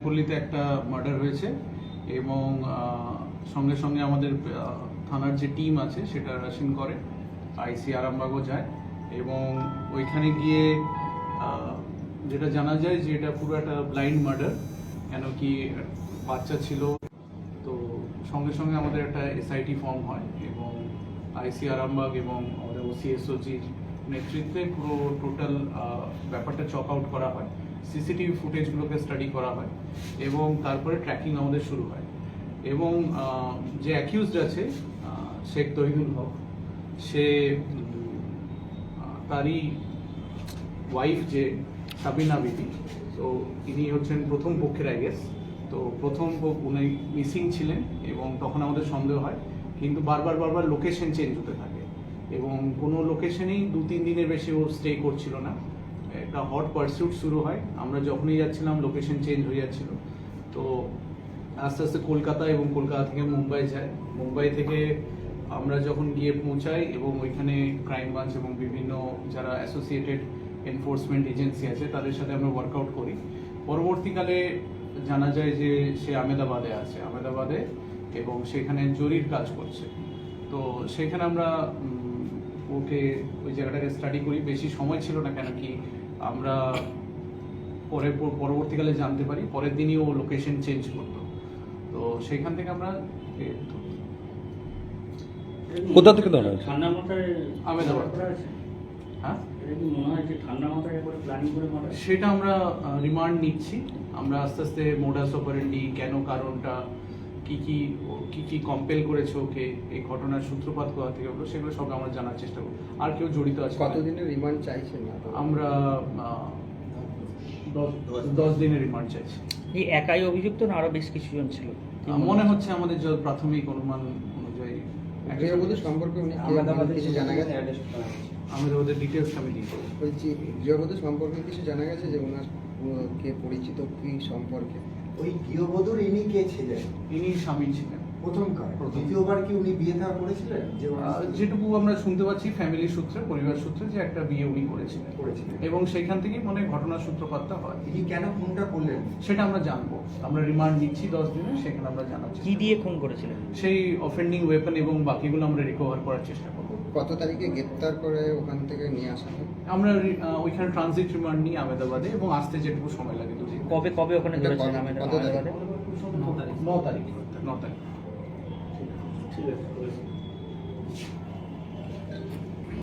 পল্লীতে একটা মার্ডার হয়েছে এবং সঙ্গে সঙ্গে আমাদের থানার যে টিম আছে সেটা রাশিন করে, আইসি আরামবাগও যায় এবং ওইখানে গিয়ে যেটা জানা যায় যে এটা পুরো একটা ব্লাইন্ড মার্ডার, কেন কি বাচ্চা ছিল। তো সঙ্গে সঙ্গে আমাদের একটা এসআইটি ফর্ম হয় এবং আইসি আরামবাগ এবং আমাদের ওসিএসওজির নেতৃত্বে পুরো টোটাল ব্যাপারটা চক আউট করা হয়, সিসিটিভি ফুটেজগুলোকে স্টাডি করা হয় এবং তারপরে ট্র্যাকিং আমাদের শুরু হয়। এবং যে অ্যাকিউজড আছে শেখ তহিদুল হক, সে তারই ওয়াইফ যে সাবিনা বিবি, তো ইনি হচ্ছেন প্রথম পক্ষের আইগেস। তো প্রথম উনি মিসিং ছিলেন এবং তখন আমাদের সন্দেহ হয়, কিন্তু বারবার লোকেশন চেঞ্জ হতে থাকে এবং কোনো লোকেশনেই 2-3 দিনের বেশি ও স্টে করছিল না। একটা হট পারসিউট শুরু হয়, আমরা যখনই যাচ্ছিলাম লোকেশন চেঞ্জ হয়ে যাচ্ছিল। তো আস্তে আস্তে কলকাতা এবং কলকাতা থেকে মুম্বাই যায়, মুম্বাই থেকে আমরা যখন গিয়ে পৌঁছাই এবং ওইখানে ক্রাইম ব্রাঞ্চ এবং বিভিন্ন যারা অ্যাসোসিয়েটেড এনফোর্সমেন্ট এজেন্সি আছে তাদের সাথে আমরা ওয়ার্কআউট করি। পরবর্তীকালে জানা যায় যে সে আহমেদাবাদে আছে এবং সেখানে জরির কাজ করছে। তো সেখানে আমরা ওকে ওই জায়গাটাকে স্টাডি করি, বেশি সময় ছিল না, কেন কি আমরা পরবর্তীকালে জানতে পারি পরের দিনই ও লোকেশন চেঞ্জ করতো। তো সেইখান থেকে আমরা কোথা থেকে ধরা হয়েছে? ঠান্ডা মাথায় আহমেদাবাদ। হ্যাঁ, সেটা আমরা রিমান্ড নিচ্ছি। আমরা আস্তে আস্তে মোডাস অপারেন্ডি, কেন কারণটা, কি কি কম্পেল করেছে ওকে, এই ঘটনার সূত্রপাত কোথা থেকে হলো, সেগুলো সব আমরা জানার চেষ্টা করব। আর কেউ জড়িত আছে? কতদিনের রিমান্ড চাইছেন? আমরা 10 দিনের রিমান্ড চাইছি। এই একাই অভিযুক্ত না আরো বেশ কিছুজন ছিল মনে হচ্ছে, আমাদের যে প্রাথমিক অনুমান অনুযায়ী। গৃহবধূ সম্পর্কে কিছু জানা গেছে? আমাদের ডিটেলস আমি দিই। বলছি, গৃহবধূ সম্পর্কে কিছু জানা গেছে যে ওনার কে পরিচিত, কি সম্পর্কে? ওই গৃহবধূর ইনি কে ছিলেন? ইনি স্বামী ছিলেন প্রথমবার। দ্বিতীয়বার কি উনি বিয়ে থা করেছিলেন? যেটুকু আমরা শুনতে পাচ্ছি ফ্যামিলি সূত্রে, পরিবার সূত্রে, যে একটা বিয়ে উনি করেছিলেন এবং সেইখান থেকেই মনে ঘটনার সূত্রপাতটা হয়। ইনি কেন খুনটা করলেন সেটা আমরা জানবো। আমরা রিমান্ড নিচ্ছি 10 দিনে, সেখানে আমরা জানাচ্ছি কি দিয়ে খুন করেছিলেন, সেই অফেন্ডিং ওয়েপন এবং বাকিগুলো আমরা রিকভার করার চেষ্টা করবো। কত তারিখে গ্রেপ্তার করে ওখান থেকে নিয়ে আসা হয়? আমরা ওইখানে ট্রানজিট রিমান্ড নিই আহমেদাবাদে এবং আসতে যেটুকু সময় লাগে 2 দিন। কবে ওখানে ধরেছিলেন? 9 তারিখ। 9 তারিখ। ঠিক আছে।